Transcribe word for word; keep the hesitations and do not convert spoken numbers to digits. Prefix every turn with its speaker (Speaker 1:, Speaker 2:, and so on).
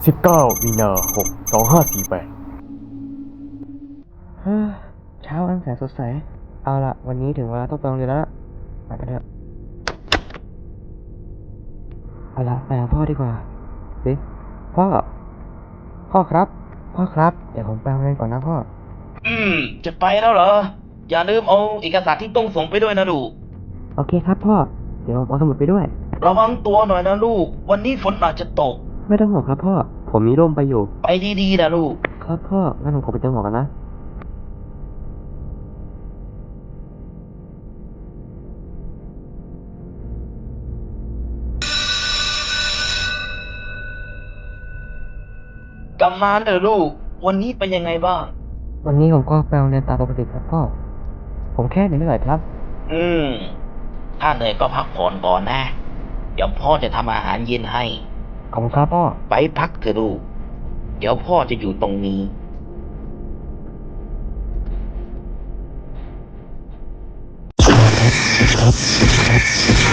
Speaker 1: สิบเก้ามีนาคมสองห้าสี่แปด
Speaker 2: เฮ้อเช้าอันแสนสดใส เอาละวันนี้ถึงเวลาต้องไปโรงเรียนแล้วล่ะไปกันเถอะเอาละไปหาพ่อดีกว่าสิพ่อ พ่อครับ พ่อครับ เดี๋ยวผมไปโรงเรียนก่อนนะพ่อ
Speaker 3: อืม จะไปแล้วเหรอ อย่าลืมเอาเอกสารที่ต้องส่งไปด้วยนะลูก
Speaker 2: โอเคครับพ่อ เดี๋ยวผมเอาสมุดไปด้วย
Speaker 3: ระวังตัวหน่อยนะลูก วันนี้ฝนอาจจะตก
Speaker 2: ไม่ต้องห่วงครับพ่อ ผมมีร่มไปอยู่
Speaker 3: ไปดีๆนะลูก
Speaker 2: ครับพ่อ งั้นผมขอไปเติมหมวกกันนะ
Speaker 3: กลับมาเถอะลูก วันนี้เป็นยังไงบ้าง
Speaker 2: วันนี้ผมก็ไปโรงเรียนตามปกติครับพ่อ ผมแค่เหนื่อยๆครับ
Speaker 3: อืม ถ้าเหนื่อยก็พักผ่อนก่อนนะ เดี๋ยวพ่อจะทำอาหารเย็นให้
Speaker 2: ขอบคุณครับพ่อ
Speaker 3: ไปพักเถอะลูก เดี๋ยวพ่อจะอยู่ตรงนี้
Speaker 2: ครับ